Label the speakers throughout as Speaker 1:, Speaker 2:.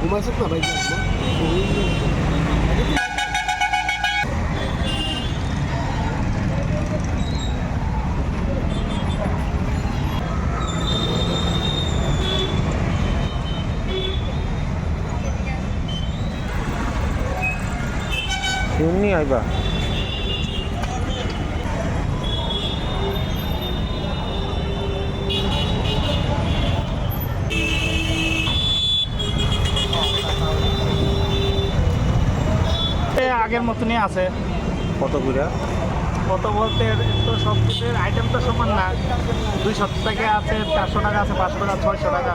Speaker 1: Pumasok na ba yun mo?
Speaker 2: Yun ni Aiba.
Speaker 3: আগের মতনই আছে।
Speaker 2: কত করে?
Speaker 3: কত বলতে তো সব কিছুর আইটেম তো সমান না। 200 টাকা আছে, 400 টাকা আছে, 500 টাকা, 600 টাকা।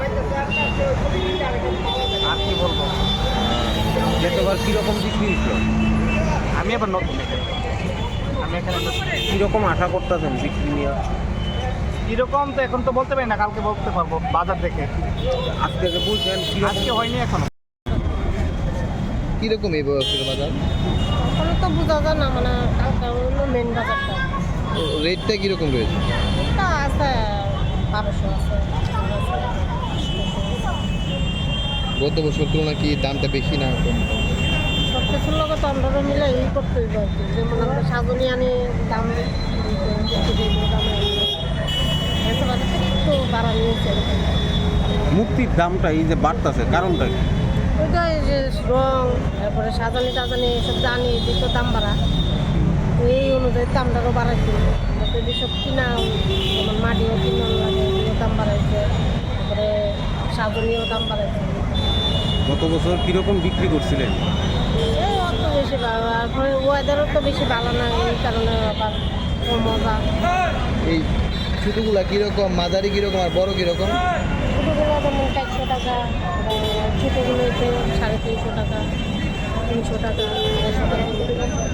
Speaker 3: আর কি বলবো?
Speaker 2: গতবার কীরকম বিক্রি হয়েছিল?
Speaker 3: আমি আবার নতুন এখানে। আমি এখানে নতুন।
Speaker 2: কীরকম আশা করতেছেন বিক্রি নিয়ে?
Speaker 3: কীরকম তো এখন তো বলতে পারি না, কালকে বলতে পারবো বাজার দেখে।
Speaker 2: আজকে যে বলছেন
Speaker 3: আজকে হয়নি এখনো।
Speaker 1: কিরকম এই বছরের বাজার?
Speaker 4: ওখানে তো বোঝা যায় না, মানে কালকে হলো মেন বাজারটা।
Speaker 1: রেটটা কিরকম রয়েছে?
Speaker 4: তা আছে 1200 আছে।
Speaker 1: গত বছর তুলনায় কি দামটা বেশি না কম?
Speaker 4: সব কিছুর লগে তো আমরা মিলে ই করতে হইব আর কি। যেমন আমরা সাজনি আনি দাম একটু দিব, দাম এসব একটু বাড়া নিয়েছে।
Speaker 2: মুক্তির দামটা এই যে বাড়তেছে কারণটা কি?
Speaker 4: ওইটা এই যে রং, তারপরে সাজানি টাজানি এসব জানি দিত দাম বাড়া, এই অনুযায়ী দামটারও বাড়াইছে। আমরা তো এসব কিনা, যেমন মাটিও কিনা লাগে, এগুলো দাম বাড়াইছে, তারপরে সাজনিও দাম বাড়াইছে।
Speaker 2: গত বছর কীরকম বিক্রি করছিলেন?
Speaker 4: এই অত বেশি ভালো, আর ওয়েদারও তো বেশি ভালো না, এই কারণে আবার মজা।
Speaker 1: এই ছোটোগুলা কীরকম, মাঝারি কীরকম আর বড় কীরকম?
Speaker 4: ছোটোগুলো যেমন 400 টাকা, ছোটোগুলো হচ্ছে 350 টাকা, 300 টাকা, 150 টাকা।